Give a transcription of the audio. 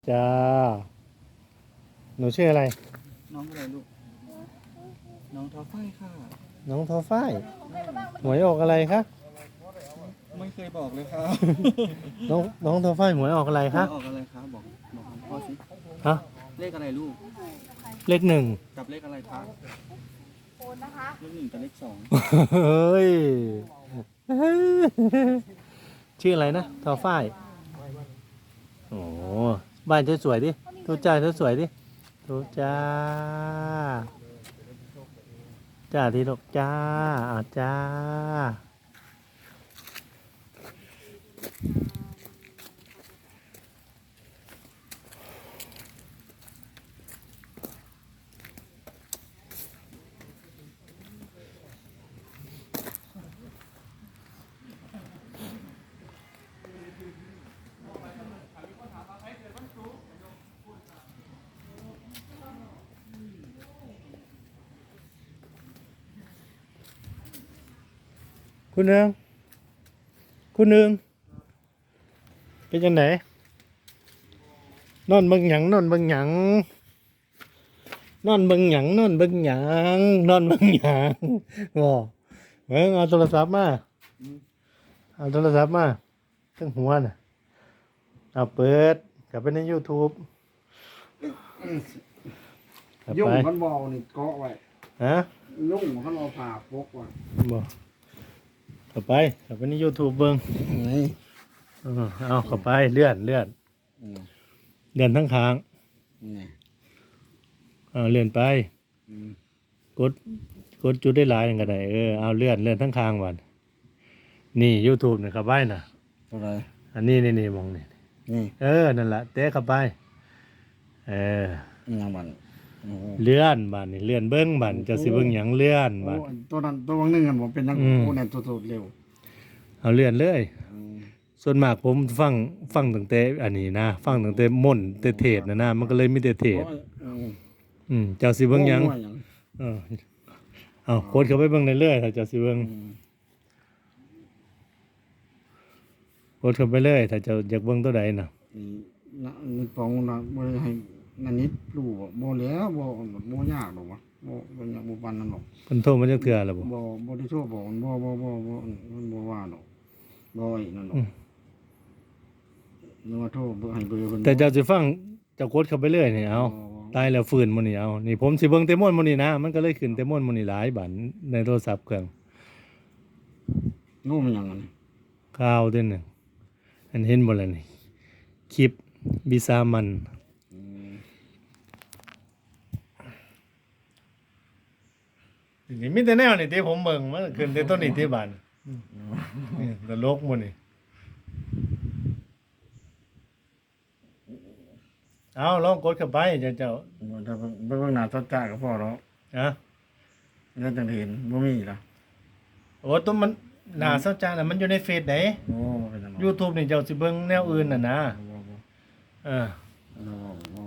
จ้าหนูชื่ออะไรน้องอะไรลูกน้องทอฝ้ายค่ะน้องทอฝ้ายหวยออกอะไรคะไม่เคยบอกเลยครับน้องทอฝ้ายหวยออกอะไรคะออกอะไรครับบอกพ่อสิฮะเลขอะไรลูกเลขหนึ่งกับเลขอะไรครับโอนนะคะเลขหนึ่งกับเลขสองเฮ้ยชื่ออะไรนะทอฝ้ายโอ้บ้านสวยๆดิทูจ้าสวยๆดิทูจ้าจ้าที่ดอกจ้าจ้าคุณเนืองคุณเนืองเป็นยังไงนอนเบิ่งหยังนอนเบิ่งหยังนอนเบิ่งหยังนอนเบิ่งหยังนอนเบิ่งหยังบ่เอาโทรศัพท์มาเอาโทรศัพท์มาตั้งหัวน่ะเอาเปิดกลับไปใน YouTube กลับยุ่งไปมันบอนี่เกาะไว้ฮะยุ่งมันเอาผ่าปกไว้บ่กลับไปใน YouTube เบิ่งนี่เอาเข้าไปเลื่อนทั้งค้างนี่เลื่อนไปอืมกดจุดได้หลายอย่างก็ได้เอาเลื่อนทั้งค้างวันนี่ YouTube นี่เข้าไปน่ะตัวไรอันนี้นี่มองนี่นี่นั่นแหละเตะเข้าไปยังบันโอ้เลื่อนบัดนี่เลื่อนเบิ้งบัดจะสิเบิ้งหยังเลื่อนบัดตัวนั้นตัวบางนึงกันผมเป็นยังอืมโอ้เนี่ยตัวเร็วเอาเลื่อนเลยอืมส่วนมากผมฟังตั้งแต่อันนี้นะฟังตั้งแต่ม่นแต่เทศนะมันก็เลยมีแต่เทศ เจ้าสิเบิ้งหยังโอ้เออเอาโคตรเข้าไปเบิ้งเรื่อยๆถ้าเจ้าสิเบิ้งอืมโคตรเข้าไปเลยถ้าเจ้าอยากเบิ้งตัวใดน่ะนี่ปองนะบ่ได้ให้นันนิดรู้บ่แล้วบ่ยากหรอกวะบ่ยากบ่ปานนั้นหรอกเพิ่นโทรมาจักเทื่อแล้วบ่บ่ได้โทษบอกมันมันบ่ว่าหรอกบ่อีนั่นหรอกนึกว่าโทษให้เบอร์เพิ่นแต่เจ้าสิฟังเจ้าโคตรเข้าไปเรื่อยนี่เอาตายแล้วฟื้นมื้อนี้เอานี่ผมสิเบิ่งแต่ม่วนมื้อนี้นะมันก็เลยขึ้นแต่ม่วนมื้อนี้หลายบัดในโทรศัพท์เครื่องงูมันหยังอันนี้ข่าวเด้อนึงอันเห็นบ่ล่ะนี่คลิปบิซามันอืมนี่มีแต่แนวนี่ที่ผมเบิ่งมันขึ้นแต่ต้นนี้ที่บ้านนี่ตลกหมื้นี่เอาลองกดเข้าไปเจ้าถ้าเบิ่งหน้าสัจจะก็พอแล้วฮะแล้วจังเห็นบ่มีล่ะโอ้ตัวมันหน้าเศร้าจังน่ะมันอยู่ในเฟซไหนโอ้เป็นจัง YouTube นี่เจ้าสิเบิ่งแนวอื่นน่ะนะบ่เออบ่